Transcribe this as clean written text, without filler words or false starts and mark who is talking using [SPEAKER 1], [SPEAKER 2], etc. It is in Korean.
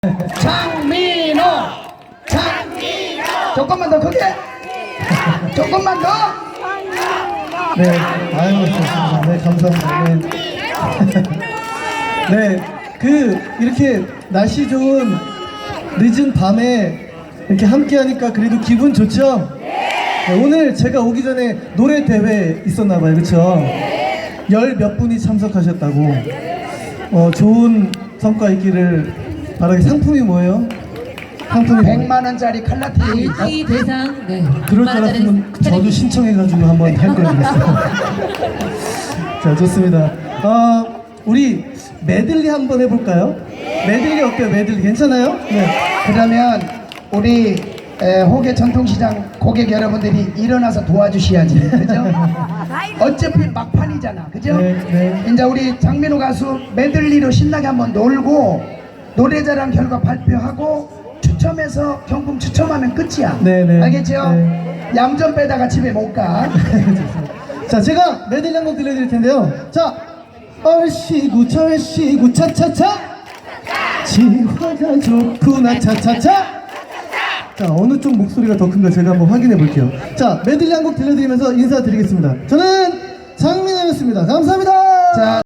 [SPEAKER 1] 장민호! 조금만 더 크게! 조금만 더!
[SPEAKER 2] 네, 아유, 좋습니다. 네, 감사합니다. 네. 네, 이렇게 날씨 좋은 늦은 밤에 이렇게 함께 하니까 그래도 기분 좋죠? 네, 오늘 제가 오기 전에 노래 대회 있었나봐요, 그쵸? 열 몇 분이 참석하셨다고. 좋은 성과 있기를 바라게. 상품이 뭐예요? 상품이
[SPEAKER 1] 100만원짜리 칼라티입니다.
[SPEAKER 3] 이 대상, 네.
[SPEAKER 2] 그럴 줄 알았으면 저도 신청해가지고 한번 할 걸 그랬어요. 자, 좋습니다. 우리 메들리 한번 해볼까요? 메들리 어때요? 메들리 괜찮아요? 네.
[SPEAKER 1] 그러면 우리 호계 전통시장 고객 여러분들이 일어나서 도와주셔야지, 그죠? 어차피 막판이잖아, 그죠?
[SPEAKER 2] 네, 네.
[SPEAKER 1] 이제 우리 장민호 가수 메들리로 신나게 한번 놀고 노래자랑 결과 발표하고 추첨해서 경품 추첨하면 끝이야.
[SPEAKER 2] 네, 네.
[SPEAKER 1] 알겠죠?
[SPEAKER 2] 네.
[SPEAKER 1] 얌전 빼다가 집에 못 가.
[SPEAKER 2] 자, 제가 메들리 한 곡 들려드릴 텐데요. 자, 얼씨구 절씨구 차차차 지화가 좋구나 차차차. 자, 어느 쪽 목소리가 더 큰가 제가 한번 확인해 볼게요. 자, 메들리 한 곡 들려드리면서 인사드리겠습니다. 저는 장민호였습니다. 감사합니다.
[SPEAKER 1] 자.